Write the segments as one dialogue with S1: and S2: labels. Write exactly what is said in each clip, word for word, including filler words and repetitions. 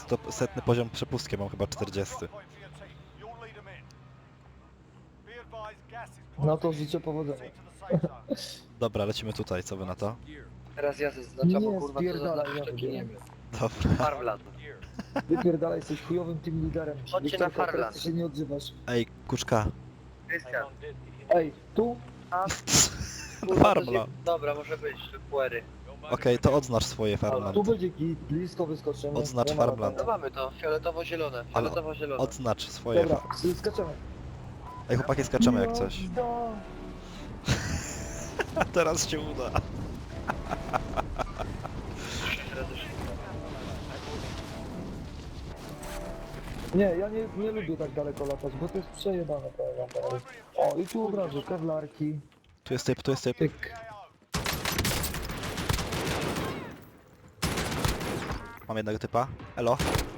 S1: to setny poziom przepustki, mam chyba czterdziesty.
S2: No to życzę powodzenia.
S1: Dobra, lecimy tutaj, co wy na to?
S3: Teraz ja zaznaczam, bo
S2: Nie,
S3: kurwa to
S2: spierdalaj,
S3: zaznaczysz
S2: ja
S3: taki
S2: wybieram.
S3: Niemiec.
S1: Dobra.
S3: Farmland.
S2: Wypierdalaj, jesteś chujowym team liderem.
S3: Chodźcie na
S2: Wiktorka, teraz
S3: Farland.
S2: ty się nie odzywasz.
S1: Ej, kuczka.
S3: Krystian.
S2: Ej, tu?
S3: A, kurwa, to
S1: Farmla.
S3: się- Dobra, może być, puery.
S1: Okej, to odznacz swoje farmland.
S2: Tu będzie git, blisko wyskoczymy.
S1: Odznacz
S2: Nie ma
S1: Farmland.
S3: No
S2: latania.
S3: mamy to, fioletowo-zielone,
S1: Ale
S3: fioletowo-zielone.
S1: Odznacz swoje
S2: Dobra,
S1: fa...
S2: skaczemy.
S1: Ej, chłopaki, skaczemy jak coś.
S2: Jazda.
S1: Teraz się uda.
S3: Teraz już
S2: Nie, ja nie, nie lubię tak daleko latać, bo to jest przejebane, powiem wam teraz. O, i tu od razu kewlarki.
S1: Tu jest typ, tu jest typ.
S2: Tyk.
S1: Mam jednego typa. Elo.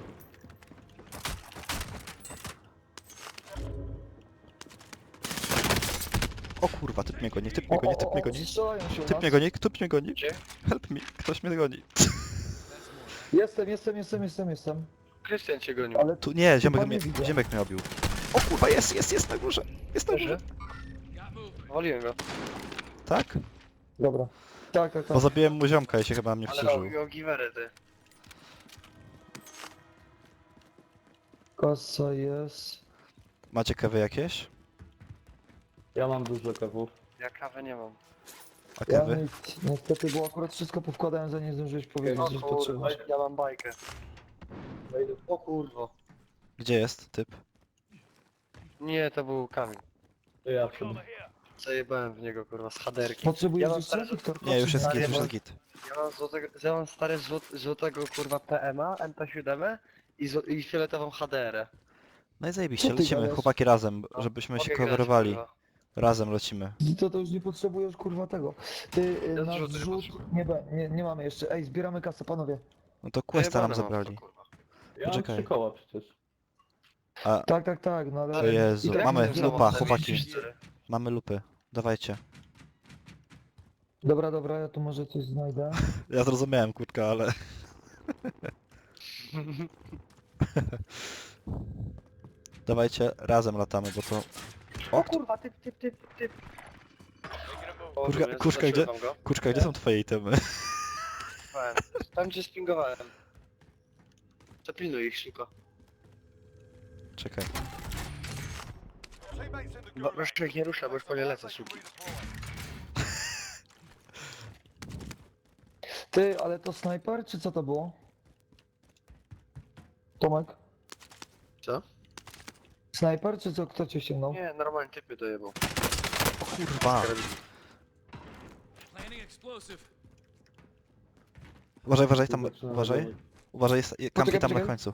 S1: O kurwa, typ mnie goni, typ mnie goni, typ mnie goni.
S2: strzelają się u
S1: Typ
S2: nas.
S1: mnie goni, typ mnie goni.
S3: Gdzie?
S1: Help me, ktoś mnie goni.
S2: Jestem, jestem, jestem, jestem, jestem.
S3: Krystian cię gonił.
S2: Ale
S1: Tu nie, ziomek
S2: Typa
S1: mnie,
S2: nie widzę.
S1: ziomek mnie obił. O kurwa, jest, jest, jest na górze. Jest na górze.
S3: Leży? Waliłem go.
S1: Tak?
S2: dobra. Tak, tak, tak.
S1: Bo zabiłem mu ziomka i się chyba na mnie
S3: Ale
S1: wkurzył.
S3: robił giwerę ty.
S2: Kasa jest.
S1: Macie kawy jakieś?
S4: Ja mam dużo kawów.
S3: Ja kawę nie mam.
S1: A
S2: Ja
S1: kawy?
S2: nic, niestety, bo akurat wszystko powkładałem, zanim zdążyłeś powiedzieć,
S3: O
S2: że
S3: kurwa,
S2: potrzebuję.
S3: ja mam bajkę. O kurwa.
S1: Gdzie jest typ?
S3: Nie, to był kamień.
S4: To ja przed...
S3: Zajebałem w niego kurwa z haderki.
S2: Potrzebujesz
S3: Ja mam
S2: jeszcze,
S3: stare-
S2: Wiktor?
S1: Nie, już jest
S2: A,
S1: git, już
S2: nie,
S1: jest git.
S3: Ja mam, złotego, ja mam stare złot, złotego kurwa P M A, M P siedem i, zł- i fioletową H D R.
S1: No i zajebiście,
S2: Co ty
S1: lecimy
S2: gadasz?
S1: chłopaki razem,
S3: No,
S1: żebyśmy się
S3: mogę grać,
S1: coverowali.
S3: kurwa.
S1: Razem lecimy.
S2: To, to już nie potrzebujesz kurwa tego. Ty y,
S3: Ja
S2: na
S3: zrzuty nie
S2: zrzut
S3: potrzebuję.
S2: nie, be- nie, nie mamy jeszcze. Ej, zbieramy kasę, panowie.
S1: No to questa nam
S3: Zajebane mam
S1: zabrali.
S3: to, kurwa.
S4: Ja mam
S1: Poczekaj.
S4: trzy koła przecież.
S1: A,
S2: Tak, tak, tak, no ale...
S1: o Jezu,
S2: i tak
S1: mamy
S2: nie
S1: lupa,
S2: znowu-
S1: chłopaki.
S3: cztery.
S1: Mamy lupy. Dawajcie.
S2: Dobra, dobra, ja tu może coś znajdę.
S1: Ja zrozumiałem kurtka, ale... Dawajcie, razem latamy, bo to...
S3: O kurwa, typ, typ, typ, typ. O,
S1: Kurka-
S3: dobra,
S1: kuszka, gdzie-
S3: zaznaczyłem go.
S1: Kurczka, gdzie są twoje itemy?
S3: Fajnie. Tam gdzie spingowałem. Zapilnuj ich szybko.
S1: Czekaj.
S3: Bo, proszę ich nie rusza, bo już po nie lecę szybko.
S2: Ty, ale to snajper, czy co to było? Tomek?
S3: Co?
S2: Snajper, czy co? Kto cię ściągnął?
S3: Nie, normalnie typy dojebał.
S1: Kurwa. Uważaj, uważaj, tam,
S4: Zaczynam
S1: uważaj.
S4: robić.
S1: Uważaj, jest, kampi
S2: Poczekaj,
S1: tam na
S2: poczekaj.
S1: końcu.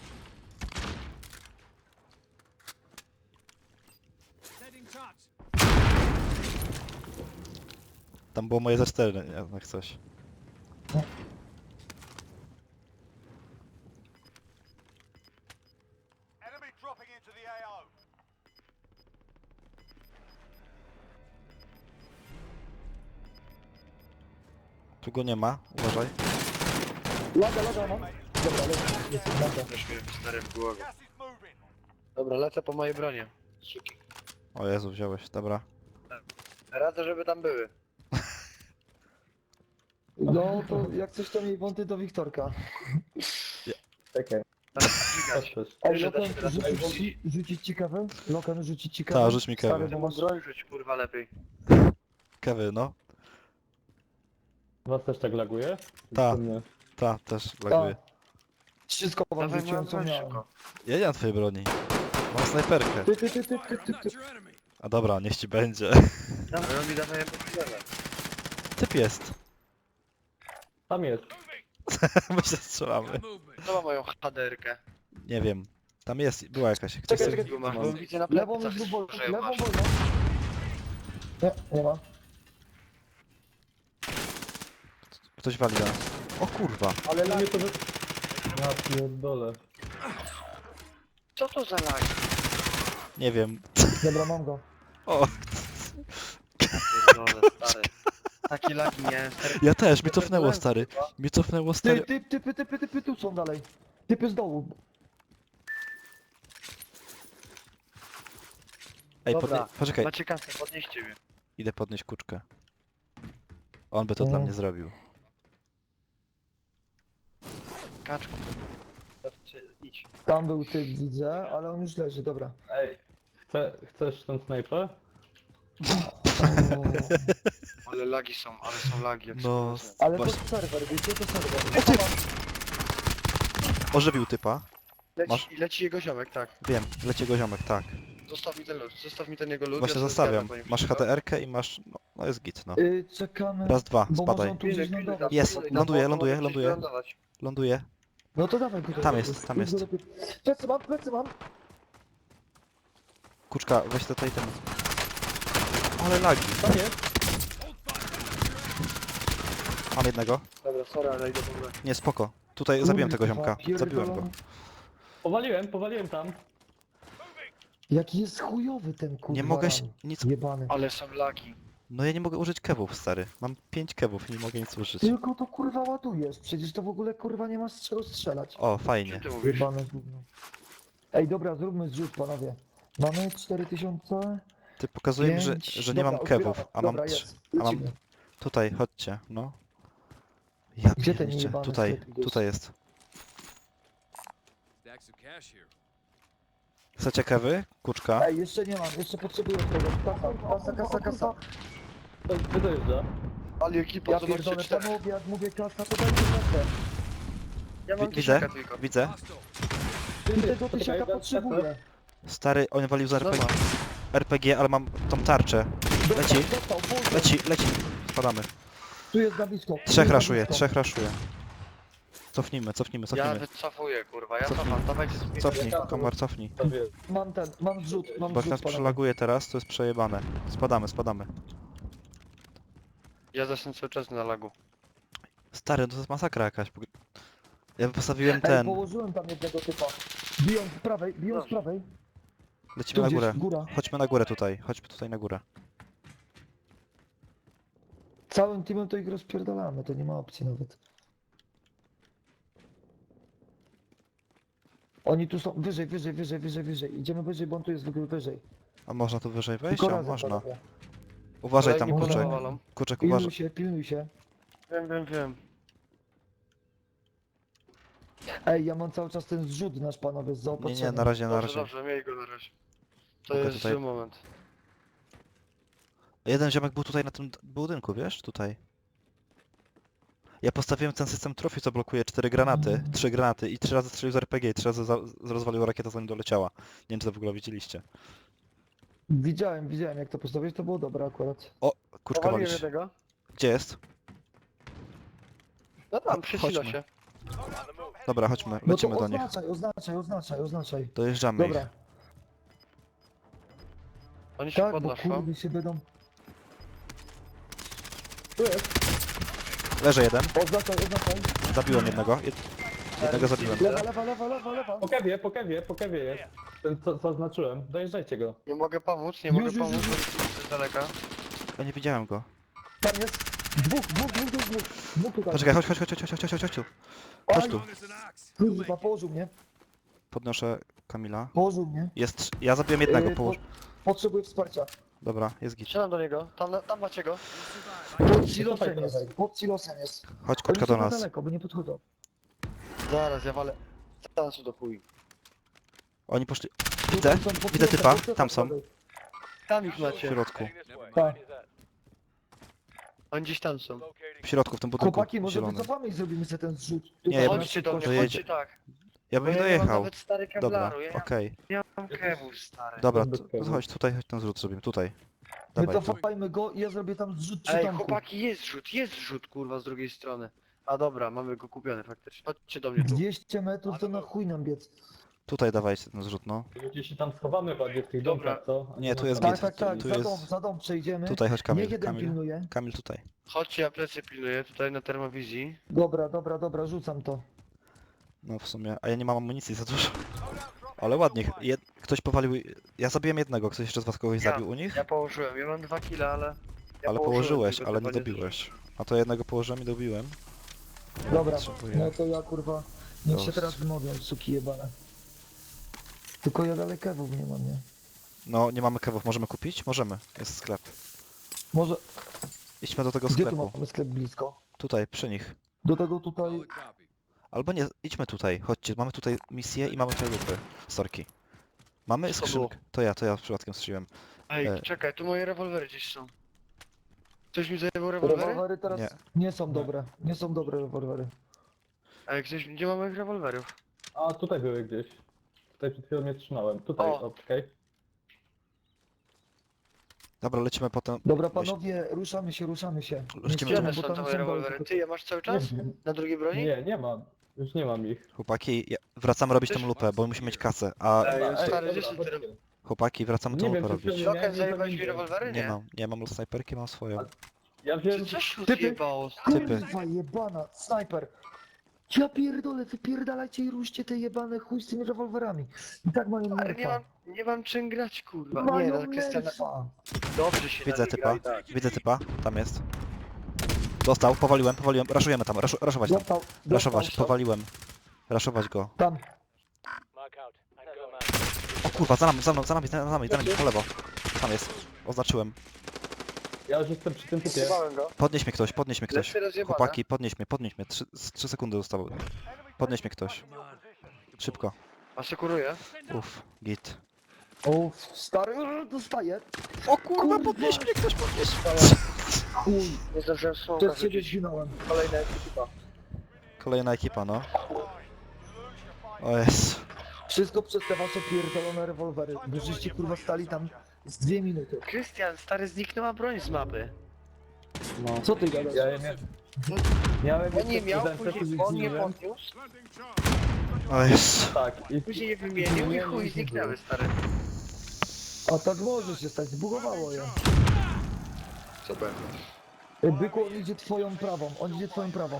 S1: Tam było moje ze cztery, jak coś. Tu go nie ma, uważaj.
S2: Laga, laga, no. Dobra, lecę, lecę, laga.
S3: Też mnie stary w głowie. Dobra, lecę po mojej bronie. Suki.
S1: O Jezu, wziąłeś, dobra.
S3: Radzę, żeby tam były.
S2: No to jak coś to miej wąty do Wiktorka.
S4: Czekaj,
S3: Tam dźwigać.
S4: patrzysz.
S2: Ej,
S3: Że da
S2: Lokan,
S3: się teraz
S2: rzucić
S3: wejść.
S2: ci, rzucić ci kawę? Lokan, rzucić ci kawę?
S1: Ta, rzuć mi kawę.
S2: Stary, bo masz...
S3: Broń rzuć kurwa lepiej.
S1: Kewy, no.
S4: Was też tak laguje?
S1: Ta.
S4: Czy nie?
S1: Ta, też laguje.
S2: Wszystko wam
S3: Dawaj
S2: rzuciłem,
S3: moją
S2: co
S3: broń
S2: miałem.
S3: szybko.
S1: Ja nie mam twojej broni. Mam snajperkę.
S2: Ty, ty, ty, ty, ty, ty, ty.
S1: A dobra, niech ci będzie.
S3: Dawaj, on mi daje po
S1: Typ jest.
S4: Tam jest.
S1: My się strzelamy.
S3: Kto ma moją haderkę?
S1: Nie wiem. Tam jest, była jakaś. Ktoś
S2: Czekaj,
S1: chce...
S2: czekaj.
S3: Bo masz, bo widzę na
S2: Lewą
S3: plecach,
S2: już wolno,
S3: że ją
S2: lewą
S3: masz.
S2: wolno. Nie, nie ma.
S1: Ktoś wali nas. O kurwa.
S2: Ale
S4: No
S2: lag...
S4: nie to, że... Ja pierdolę.
S3: Co to za lag?
S1: Nie wiem.
S2: Dobra, mam go.
S1: O,
S3: Pierdolę, stary. Taki lagi miałem, stary.
S1: ja też, mi cofnęło stary. Mi cofnęło
S2: Ty,
S1: stary.
S2: ty, typy, typy, typy, tu są dalej. Typy z dołu.
S1: Ej,
S3: Dobra,
S1: podnie... poczekaj,
S3: macie kasę, podnieście mnie.
S1: idę podnieść kuczkę. On by to dla
S2: Mm.
S1: mnie zrobił.
S3: Kaczku. Znaczy, idź.
S2: Tam był typ, widzę, ale on już leży, dobra.
S4: Ej, chce, chcesz ten snajper?
S2: O,
S3: Ale lagi są, ale są lagi jak
S1: No,
S3: są.
S2: ale to
S1: Właśnie-
S2: serwer, wiecie, to serwer.
S1: Ożywił typa.
S3: Leci,
S1: masz-
S3: leci jego ziomek, tak.
S1: Wiem, leci go ziomek, tak.
S3: Zostaw mi ten lód, zostaw mi ten jego lód.
S1: Właśnie
S3: ja sobie
S1: zostawiam.
S3: zgadam, bo nie
S1: Masz
S3: przyjdę.
S1: H D R-kę i masz... No, no jest git, no.
S2: Y, czekamy,
S1: Raz, dwa,
S2: bo może
S1: spadaj.
S2: on tu gdzieś
S3: Pilnuj, pilnuj,
S2: lądował.
S3: tam,
S1: Jest,
S3: pilnuj, tam,
S1: ląduje,
S3: bo on
S1: ląduje,
S3: może gdzieś
S1: ląduje.
S3: wylądować.
S1: Ląduje.
S2: No to dawaj tutaj.
S1: Tam jest, tam
S2: Idź
S1: jest.
S2: do lepiej. Plecy mam, plecy mam.
S1: Kuczka, weź tutaj ten... Ale lagi.
S4: Tam jest!
S1: Mam jednego.
S3: Dobra, sorry, ale idę po górę.
S1: Nie, spoko. Tutaj zabiłem tego
S2: Kurwa,
S1: ziomka. Zabiłem go.
S2: pierdolony.
S4: Powaliłem, powaliłem tam.
S2: Jaki jest chujowy ten kurwa
S1: Nie mogę się...
S2: ram.
S1: nic...
S2: Jebany.
S3: Ale są lagi.
S1: No ja nie mogę użyć kewów, stary. Mam pięć kewów i nie mogę nic użyć.
S2: Tylko to kurwa ładujesz, przecież to w ogóle kurwa nie ma z czego strzelać.
S1: O,
S3: Co
S1: fajnie.
S3: ty mówisz?
S2: Jebane gówno. Ej, dobra, zróbmy zrzut, panowie. Mamy cztery tysiące.
S1: Ty pokazuje mi, że,
S2: pięć.
S1: że nie
S2: Dobra,
S1: mam kewów,
S2: odbieramy.
S1: a mam
S2: Dobra,
S1: trzy.
S2: jest.
S1: a mam-
S2: Lecimy.
S1: Tutaj, chodźcie, no. Ja
S2: Gdzie ten
S1: pierniczę.
S2: jebany
S1: Tutaj,
S2: sklep jest?
S1: tutaj jest.
S5: Stacks of cash here.
S1: Chcecie kewy? Kuczka?
S2: Ej, jeszcze nie mam, jeszcze potrzebuję tego. Kasa, kasa, kasa, kasa.
S4: To gdzie dojeżdża?
S3: Ale ekipa,
S2: Ja
S3: zobaczcie,
S2: pierdolę,
S3: cztery.
S2: panowie, jak mówię kasa, to dajcie kasę.
S3: Ja mam
S1: Wi- Widzę,
S3: tysiaka tylko.
S1: widzę.
S2: Tego tysiaka potrzebuję.
S1: Stary, on walił z R P G.
S3: Zobacz.
S1: R P G, ale mam tą tarczę. Leci,
S2: Dostał, dostał,
S1: leci, leci. Spadamy.
S2: Tu jest na blisko. Tu
S1: Trzech
S2: jest na
S1: raszuje,
S2: blisko.
S1: trzech raszuje. Cofnijmy, cofnijmy,
S3: Ja
S1: cofnijmy.
S3: wycofuję, kurwa, ja
S1: Cofnij.
S3: cofam, dawajcie z
S1: Cofnij, Komar, cofnij.
S4: To wie.
S2: Mam ten, mam zrzut, mam
S1: Bo jak
S2: zrzut,
S1: nas
S2: panowie.
S1: przelaguje teraz, to jest przejebane. Spadamy, spadamy.
S3: Ja zasnę cały czas na lagu.
S1: Stary, no to jest masakra jakaś. Ja postawiłem
S2: Ej,
S1: ten.
S2: położyłem tam jednego typa. Biją z prawej, biją z prawej.
S1: Lecimy
S2: Tu
S1: na
S2: gdzieś,
S1: górę.
S2: góra.
S1: Chodźmy na górę tutaj, chodźmy tutaj na górę.
S2: Całym teamem to ich rozpierdalamy, to nie ma opcji nawet. Oni tu są, wyżej, wyżej, wyżej, wyżej, wyżej. Idziemy wyżej, bo on tu jest wy- wyżej.
S1: A można tu wyżej wejść?
S2: Tylko
S1: A
S2: razem,
S1: można.
S2: panowie.
S1: Uważaj tam,
S3: Kolejni
S2: kurczę.
S1: kurczek.
S3: powalą.
S1: Kurczek,
S2: Pilnuj
S1: uważaj.
S2: się, pilnuj się.
S3: Wiem, wiem, wiem.
S2: Ej, ja mam cały czas ten zrzut nasz, panowie, z
S1: Nie,
S2: zaopatrzeniem.
S1: nie, na razie, na
S3: Dobrze,
S1: razie.
S3: dobrze, miej go na razie. To
S1: Mogę
S3: jest
S1: tutaj-
S3: zły moment.
S1: Jeden ziomek był tutaj na tym d- budynku, wiesz? Tutaj. Ja postawiłem ten system trofi, co blokuje cztery granaty, trzy granaty i trzy razy strzelił z R P G i trzy razy za- z- rozwalił rakieta zanim doleciała. Nie wiem, czy to w ogóle widzieliście.
S2: Widziałem, widziałem jak to postawić, to było dobre akurat.
S1: Kuczka
S3: Powaliłem
S1: walisz.
S3: jednego.
S1: Gdzie jest?
S3: No tam, przy
S1: Chodźmy.
S3: silosie.
S1: Dobra, chodźmy,
S2: No to
S1: lecimy do nich.
S2: oznaczaj, oznaczaj, oznaczaj, oznaczaj.
S1: Dojeżdżamy ich.
S2: Dobra,
S3: Oni się
S2: tak, bo
S3: podnoszą.
S2: kurwy się będą... Tu jest,
S1: Leży jeden,
S2: oznaczaj, oznaczaj.
S1: zabiłem jednego. Jed... Jednego zabiłem.
S2: Lewa, lewa, lewa, lewa, lewa.
S4: Po kewie, po kewie, po kewie jest. Ten co, co zaznaczyłem. Dojeżdżajcie go.
S3: Nie mogę pomóc, nie
S2: Już,
S3: mogę
S2: już,
S3: pomóc,
S2: już,
S3: bo jestem z daleka.
S1: Ja nie widziałem go.
S2: Tam jest. Dwóch, dwóch, dwóch, dwóch, dwóch. Dwóch tutaj.
S1: Poczekaj, chodź, chodź, chodź, chodź, chodź, chodź, chodź, chodź tu. Chodź tu.
S5: Known as an axe.
S2: Kurwa, położył mnie,
S1: Podnoszę Kamila.
S2: położył mnie.
S1: Jest... Ja zabiłem jednego,
S2: Yy,
S1: połóż...
S2: po- Potrzebuję wsparcia.
S1: Dobra, jest git.
S3: Strzelam do niego, tam, tam macie go.
S2: Pod silosem jest, pod silosem jest.
S1: Chodź,
S2: Oni
S1: Kuczka,
S2: są
S1: do
S2: na
S1: nas.
S2: daleko, bo nie podchodzą.
S3: Zaraz, ja walę. Zaraz do chuj.
S1: Oni poszli...
S2: Tu
S1: Widzę,
S2: tam są pod
S1: widzę
S2: silosem,
S1: typa,
S2: pod silosem
S1: tam są.
S2: prawej.
S3: Tam ich
S1: W
S3: macie.
S1: środku.
S2: Tak.
S3: Oni gdzieś tam są.
S1: W środku, w tym budynku
S2: Chłopaki, może
S1: zielonym.
S2: wycofamy i zrobimy sobie ten zrzut.
S1: Nie,
S2: Tutaj
S1: ja
S2: na
S1: bym-
S3: Chodźcie do mnie,
S2: szybkości.
S1: Dojedzie-
S3: chodźcie tak.
S1: Ja
S3: Bo
S1: bym
S3: ja nie mam
S1: dojechał.
S3: nawet stary
S1: Dobra,
S3: kevlaru, ja
S1: okej.
S3: nie mam kewów, stary.
S1: Dobra,
S4: Bez
S1: to,
S4: kewu.
S1: to chodź tutaj, chodź ten zrzut zrobimy, tutaj. Dawaj, tu.
S2: Wycofajmy go i ja zrobię tam zrzut przy
S3: Ej,
S2: domku.
S3: chłopaki, jest rzut, jest rzut, kurwa, z drugiej strony. A dobra, mamy go kupiony faktycznie. Chodźcie do mnie tu.
S2: dwieście metrów to na chuj nam biec.
S1: Tutaj dawajcie ten zrzut, no.
S4: Ludzie się tam schowamy bardziej w tych
S3: Dobra.
S4: domkach, co? A
S1: Nie, tu
S4: ma
S1: jest
S4: tam-
S1: git.
S2: Tak, tak, tak,
S1: tu
S2: za
S1: jest-
S2: dom, za dom przejdziemy.
S1: Tutaj chodź
S2: Niech
S1: Kamil,
S2: jeden
S1: Kamil.
S2: pilnuje.
S1: Kamil tutaj.
S3: Chodźcie, ja plecy pilnuję tutaj na termowizji.
S2: Dobra, dobra, dobra, rzucam to.
S1: No w sumie, a ja nie mam amunicji za dużo. Ale ładnie, jed... ktoś powalił... Ja zabiłem jednego, ktoś jeszcze z was kogoś
S3: Ja.
S1: zabił u nich?
S3: Ja położyłem, ja mam dwa kile, ale... Ja
S1: Ale
S3: położyłem,
S1: położyłeś,
S3: tylko
S1: ale nie
S3: chyba
S1: dobiłeś. A to jednego położyłem i dobiłem.
S2: Dobra,
S1: Potrzebuję.
S2: no to ja kurwa Niech się
S1: Ghost.
S2: teraz wymowią, suki jebane. Tylko ja dalej kewów nie mam, nie?
S1: No, nie mamy kewów, możemy kupić? Możemy, jest sklep.
S2: Może...
S1: Idźmy do tego
S2: Gdzie tu
S1: sklepu.
S2: mamy sklep blisko?
S1: Tutaj, przy nich.
S2: Do tego tutaj...
S1: Albo nie, idźmy tutaj, chodźcie, mamy tutaj misję i mamy tutaj lupy. Sorki. Mamy
S3: Co to
S1: skrzynkę. To ja, to ja przypadkiem strzeliłem.
S3: Ej,
S1: E.
S3: czekaj, tu moje rewolwery gdzieś są. Ktoś mi zajebał rewolwery?
S2: Rewolwery teraz
S1: Nie.
S2: nie, są dobre. Nie są dobre rewolwery.
S3: Ej, ktoś, gdzie mamy moich rewolwerów?
S4: A tutaj były gdzieś. Tutaj przed chwilą mnie trzymałem. Tutaj,
S3: O.
S4: okej.
S1: Dobra, lecimy potem.
S2: Dobra
S1: Weź-
S2: panowie, ruszamy się, ruszamy się. Nie
S1: Lecimy.
S3: Gdzie
S2: strzelamy,
S3: one
S2: bo
S3: są
S2: tam
S3: te
S2: są
S3: moje
S2: doły,
S3: rewolwery?
S2: tylko-
S3: Ty je masz cały czas?
S4: Nie wiem.
S3: Na drugiej broni?
S4: Nie, nie mam. Już nie mam ich.
S1: Chłopaki, ja- wracamy robić tą lupę, bo musimy mieć kasę. A
S3: Ej,
S4: Ej,
S3: stary,
S4: dobra,
S3: gdzie są te
S4: chodźcie.
S3: rewolwery?
S1: chłopaki, wracamy tą
S4: Nie
S1: lupę
S4: wiem, czy
S1: robić.
S4: chwilę
S3: Loken,
S4: miałem,
S3: zajebałeś mi
S4: nie
S3: rewolwery?
S1: Nie
S3: Nie.
S1: mam, nie mam snajperki, mam swoją.
S4: Ja wziąłem...
S3: Czy coś
S2: Typy.
S3: odjebało?
S1: Typy.
S2: Kurwa jebana, snajper. Ja pierdolę, wypierdalajcie i ruszcie te jebane chuj z tymi rewolwerami. I tak mają
S3: Ale nie
S2: nerfa.
S3: mam, nie mam czym grać, kurwa. Nie,
S2: Mają
S3: no Krystiana,
S2: nerfa.
S3: dobrze się
S1: Widzę
S3: nami
S1: typa,
S3: gra i tak.
S1: widzę typa, tam jest. Dostał, powaliłem, powaliłem, raszujemy tam, raszu, raszować tam.
S2: Dostał,
S1: Raszować,
S2: dostał.
S1: powaliłem. Raszować go.
S2: Tam.
S1: O kurwa, za nami, za mną, za nami, za nami, za nami, po lewo. Tam jest, oznaczyłem.
S4: Ja już jestem przy tym typie.
S3: Zjebałem go.
S1: Podnieś mnie ktoś, podnieś mnie ktoś.
S3: Lecę rozjebane.
S1: Chłopaki, podnieś mnie, podnieś mnie. Trzy, z trzy sekundy zostały. Podnieś mnie ktoś. Szybko.
S3: Asekuruję.
S1: Uff, git.
S2: O, stary, dostaję.
S1: O
S2: kurwa,
S1: podnieś mnie ktoś, podnieś
S2: Chuj,
S3: Nie zdążyłem smoka
S2: przez ciebie
S3: rzucić.
S2: zginąłem.
S3: Kolejna ekipa.
S1: Kolejna ekipa, no. O jest.
S2: Wszystko przez te wasze pierdolone rewolwery. Bo żeście kurwa stali tam z dwie minuty.
S3: Krystian, stary, zniknęła broń z mapy.
S4: No.
S2: Co ty gadasz?
S4: Ja je miałem... Miałem
S3: On nie
S4: jeszcze
S3: miał,
S4: prezentę,
S3: później
S4: który
S3: on nie
S4: zgniłem.
S3: podniósł,
S1: O jest.
S4: Tak, i
S3: później je wymienił i chuj zniknęły, stary.
S2: A tak może się stać, zbugowało je.
S3: Super.
S2: Ej, Byku, on idzie twoją prawą, on idzie twoją prawą.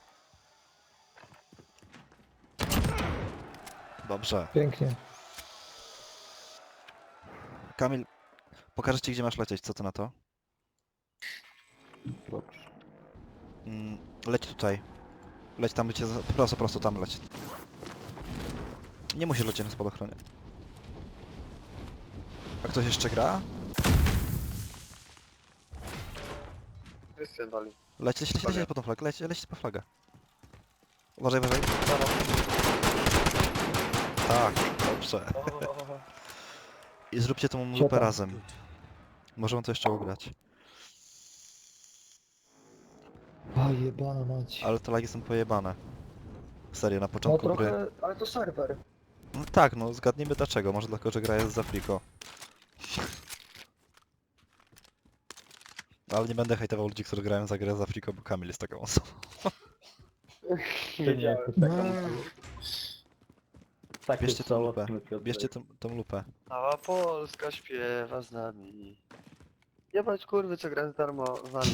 S1: Dobrze.
S2: Pięknie.
S1: Kamil, pokażę ci gdzie masz lecieć, co ty na to? Mm, leć tutaj. Leć tam, gdzie... za- Prosto, prosto tam leć. Nie musisz lecieć na spadochronie. A ktoś jeszcze gra?
S3: Krystian wali.
S1: Leć, leć, leć, leć po tą flagę, leć, leć po flagę. Uważaj, uważaj. Tak, dobrze. I zróbcie tą lupę
S2: Siadam.
S1: razem. Możemy to jeszcze ugrać.
S2: A jebana mać.
S1: Ale te lagi są pojebane. Serio, na
S2: No
S1: początku gry.
S2: trochę, ale to serwer.
S1: No tak, no zgadnijmy dlaczego. Może dlatego, że gra jest za friko. Ale nie będę hejtował ludzi, którzy grają za grę za friko, bo Kamil jest taką osobą.
S4: Ty nie jesteś
S2: No.
S4: taka... Tak
S1: Bierzcie
S4: jest
S1: tą
S4: żałosny,
S1: lupę.
S4: Piotrek.
S1: Bierzcie tą, tą lupę.
S3: Cała Polska śpiewa z nami. Jebać kurwy, co gra z darmowami.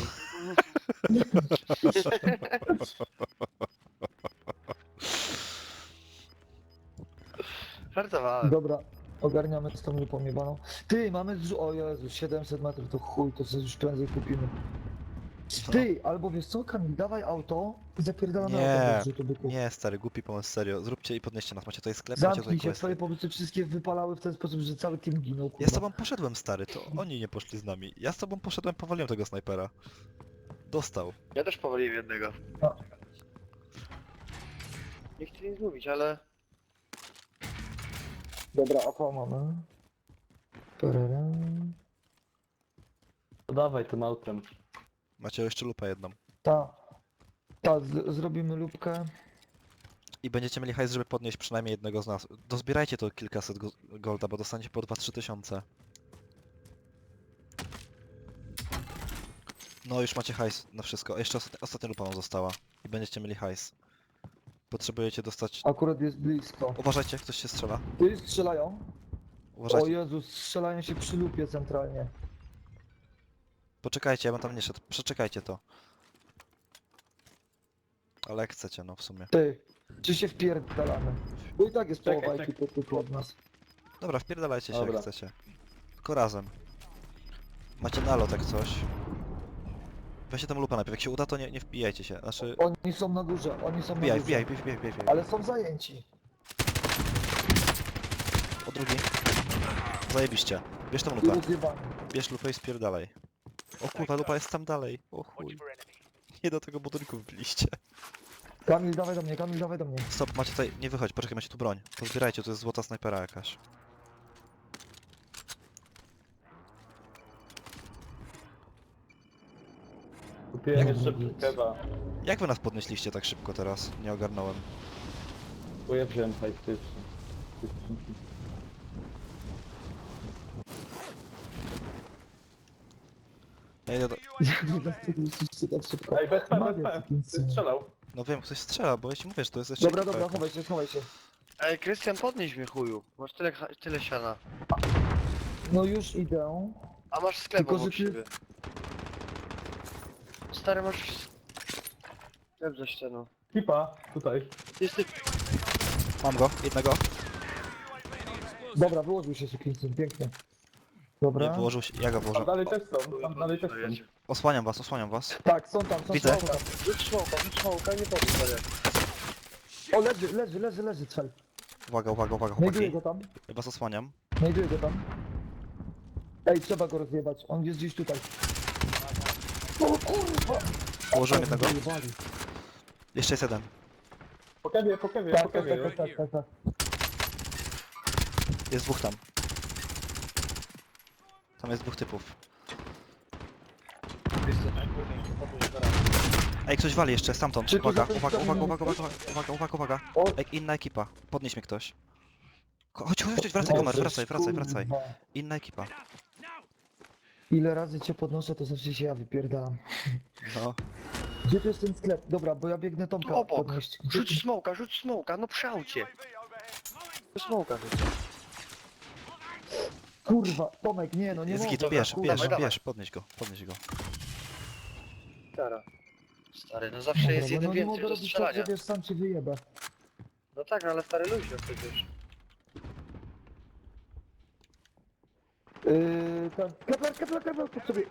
S3: Żartowałem.
S2: Dobra, ogarniamy z tą lupą jebaną. Ty, mamy z... O Jezu, siedemset metrów, to chuj, to sobie już prędzej kupimy. Ty, albo wiesz co, Kamil, dawaj auto i zapierdalamy
S1: Nie,
S2: auto do zrzutu byku.
S1: Nie, stary, głupi pomysł, serio. Zróbcie i podnieście nas. Macie tutaj sklep, macie tutaj
S2: Zamknij się,
S1: questy.
S2: twoje pomysły wszystkie wypalały w ten sposób, że cały team ginął, kurwa.
S1: Ja z tobą poszedłem, stary, to oni nie poszli z nami. Ja z tobą poszedłem, powaliłem tego snajpera. Dostał.
S3: Ja też powoliłem jednego.
S2: A.
S3: Nie chcę nic mówić, ale...
S2: Dobra, A P mamy. Parara.
S4: To dawaj tym autem.
S1: Macie jeszcze lupę jedną.
S2: Ta. Ta, z zrobimy lupkę.
S1: I będziecie mieli hajs, żeby podnieść przynajmniej jednego z nas. Dozbierajcie to kilkaset go golda, bo dostaniecie po dwa trzy tysiące. No już macie hajs na wszystko. A jeszcze ostatnia, ostatnia lupa wam została. I będziecie mieli hajs. Potrzebujecie dostać...
S2: Akurat jest blisko.
S1: Uważajcie, ktoś się strzela.
S2: Ty strzelają? O
S1: Uważajcie.
S2: Jezus, strzelają się przy lupie centralnie.
S1: Poczekajcie, ja bym tam nie szedł. Przeczekajcie to. Ale jak chcecie, no w sumie.
S2: Ty, czy się wpierdalamy? Bo i tak jest
S4: Czekaj,
S2: połowa
S4: czekaj.
S2: ekipy tylko od nas.
S1: Dobra, wpierdalajcie się
S4: Dobra.
S1: jak chcecie. Tylko razem. Macie nalot jak coś. Weźcie tam lupa najpierw, jak się uda to nie, nie wbijajcie się, znaczy...
S2: Oni są na górze, oni są
S1: Wbijaj,
S2: na
S1: wbijaj,
S2: górze.
S1: wbijaj, wbijaj, wbijaj.
S2: Ale są zajęci.
S1: O drugi. Zajebiście. Bierz tą
S2: I
S1: lupę,
S2: rozjebani.
S1: bierz lupę i spierdalaj. O kurwa, lupa jest tam dalej. O chuj. Nie do tego budynku wbiliście.
S2: Kamil, dawaj do mnie, Kamil, dawaj do mnie.
S1: Stop, macie tutaj, nie wychodź, poczekaj, macie tu broń. To zbierajcie, to jest złota snajpera jakaś.
S4: Kupiłem
S2: Jak
S4: jeszcze
S2: mówić?
S4: keba.
S1: Jak wy nas podnieśliście tak szybko teraz? Nie ogarnąłem.
S4: Bo ja wziąłem hajtyczny.
S1: Ja idę do...
S2: Jak wy nas podnieśliście tak szybko?
S4: Ej, bez P, bez
S2: Magia,
S4: P.
S2: sukinsy.
S4: Ty strzelał.
S1: No wiem, ktoś strzela, bo ja ci mówię, że to jest jeszcze
S2: Dobra,
S1: ekipa
S2: dobra,
S1: jakaś.
S2: chowaj się, chowaj się.
S3: Ej, Krystian, podnieś mnie chuju. Masz tyle, ha- tyle siana.
S2: No już idę.
S3: A masz sklep
S2: Tylko,
S3: obok
S2: że ty-
S3: siebie. Stary, masz sklep za ścianą.
S4: Kipa, tutaj.
S3: Jest ty...
S1: Mam go, jednego.
S2: Dobra, wyłożył się sukinsy, pięknie.
S1: Nie,
S2: Dobra.
S1: wyłożył się, ja go
S4: Tam
S1: włożę.
S4: dalej też są, tam dalej też są.
S1: Osłaniam was, osłaniam was.
S2: Tak, są tam, są
S1: Widzę.
S2: są tam.
S3: Rzuć smoka, rzuć smoka, nie powiem, stary.
S2: O, leży, leży, leży, leży, cel.
S1: Uwaga, uwaga, uwaga,
S2: Znajduję
S1: chłopaki.
S2: go tam,
S1: Ja was osłaniam.
S2: znajduję go tam. Ej, trzeba go rozjebać, on jest gdzieś tutaj. O kurwa!
S1: Położyłem jednego.
S2: Zjebali.
S1: Jeszcze jest jeden.
S4: Po kebie, po kebie,
S2: Tak,
S4: po
S2: tak,
S4: kebie.
S2: tak, tak, tak, tak.
S1: Jest dwóch tam. Tam jest dwóch typów. Ej, ktoś wali jeszcze, stamtąd.
S2: Czy tu
S1: Uwaga,
S2: za tym
S1: uwaga, uwaga,
S2: kamieniem
S1: uwaga,
S2: ktoś?
S1: uwaga, uwaga, uwaga, uwaga.
S2: O,
S1: Ej, inna ekipa. Podnieś mnie ktoś. Ko- Chodź, chodź, chodź, wracaj, Komar,
S2: Boże,
S1: wracaj, wracaj, wracaj.
S2: kurwa.
S1: Inna ekipa.
S2: Ile razy cię podnoszę, to zawsze się ja wypierdalam.
S1: No.
S2: Gdzie tu jest ten sklep? Dobra, bo ja biegnę Tomka
S3: Obok.
S2: podnieść. Gdzie-
S3: Rzuć smoka, rzuć smoka, no przy aucie. Smoka rzuć.
S2: Kurwa, Tomek, nie no, nie
S1: Jest
S2: mogę.
S1: git, bierz,
S2: kurwa.
S1: bierz,
S3: dawaj.
S1: bierz, podnieś go, podnieś go.
S3: Stara. Stary, no zawsze
S2: Dobra,
S3: jest
S2: bo
S3: jeden
S2: no nie
S3: więcej
S2: mogę
S3: do
S2: robić tak,
S3: strzelania.
S2: że wiesz, sam cię wyjebę.
S3: No tak, no ale stary luźno przecież.
S2: Yy, ten... Kepler, kepler, kepler, po sobie.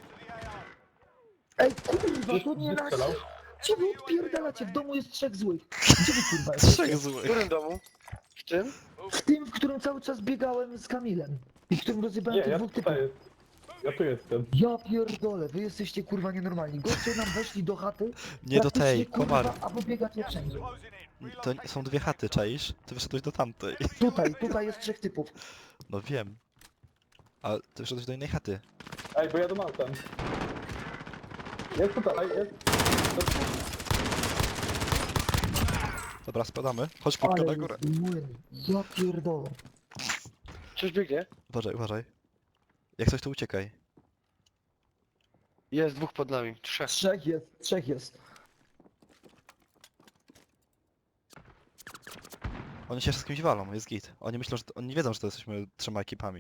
S2: Ej, kurwa, to nie
S4: Gdzie
S2: nas...
S4: strzelał?
S2: Gdzie wy odpierdalacie? W domu jest trzech złych. Gdzie wy kurwa jesteście?
S1: Trzech
S3: W
S1: złych.
S3: którym domu? W tym?
S2: W tym, w którym cały czas biegałem z Kamilem. I w którym rozjebałem
S4: Nie,
S2: tych
S4: ja
S2: dwóch typów.
S4: tutaj jest. Ja tu jestem.
S2: Ja pierdolę, wy jesteście kurwa nienormalni. Goście nam weszli do chaty.
S1: Nie do tej,
S2: praktycznie, kurwa,
S1: Komar.
S2: A wy biegacie wszędzie.
S1: To nie- są dwie chaty, czaisz? Ty wyszedłeś do tamtej.
S2: Tutaj, tutaj jest trzech typów.
S1: No wiem. Ale ty wyszedłeś do innej chaty.
S4: Ej, bo jadę autem. Jest tutaj, jest.
S1: Dobra, spadamy. Chodź szybko
S2: Ale
S1: na górę.
S2: jest młyn. Ja pierdolę.
S3: Coś biegnie?
S1: Uważaj, uważaj. Jak coś to uciekaj.
S3: Jest dwóch pod nami, trzech.
S2: Trzech jest, trzech jest.
S1: Oni się z kimś walą, jest git. Oni myślą, że... Oni nie wiedzą, że to jesteśmy trzema ekipami.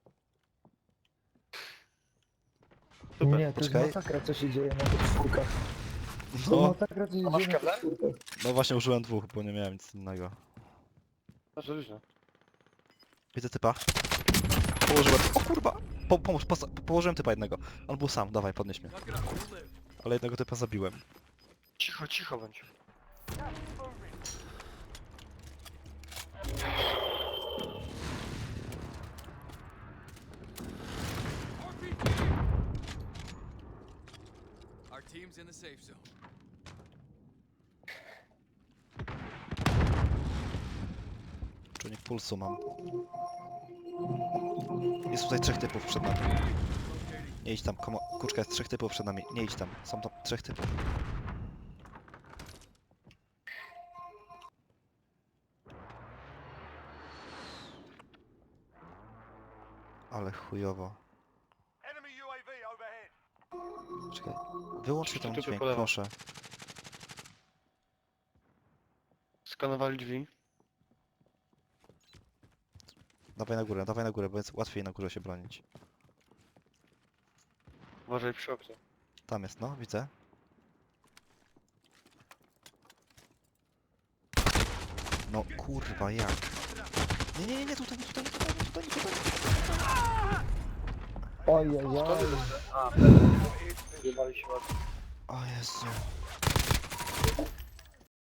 S3: Super,
S2: Nie, to
S1: poczekaj.
S2: jest masakra co się dzieje na tych czwórkach. To
S1: No,
S2: masakra co się
S3: A masz
S2: dzieje na tych
S3: kable?
S2: czwórkach.
S1: no właśnie użyłem dwóch, bo nie miałem nic innego.
S3: Bardzo luźno.
S1: Widzę typa. Położyłem... O kurwa! Po, pomóż, posta- położyłem typa jednego. On był sam, dawaj, podnieś mnie. Ale jednego typa zabiłem.
S3: Cicho, cicho bądź.
S5: Our team's in the safe zone.
S1: Czujnik pulsu mam. Jest tutaj trzech typów przed nami. Nie idź tam, komo... Kurczka, jest trzech typów przed nami. Nie idź tam, są tam trzech typów. Ale chujowo. Czekaj, wyłączcie ten
S3: Typy
S1: dźwięk,
S3: po lewo.
S1: proszę.
S3: Skanowali drzwi.
S1: Dawaj na górę, dawaj na górę, bo jest łatwiej na górze się bronić.
S3: Uważaj przy oknie.
S1: Tam jest, no, widzę. No kurwa, jak? Nie, nie, nie, nie, tutaj, nie, tutaj, nie, tutaj, nie, tutaj, nie, tutaj.
S2: Ojej,
S3: Skąd
S2: oj.
S3: A, Zjebali się ładnie.
S1: O Jezu.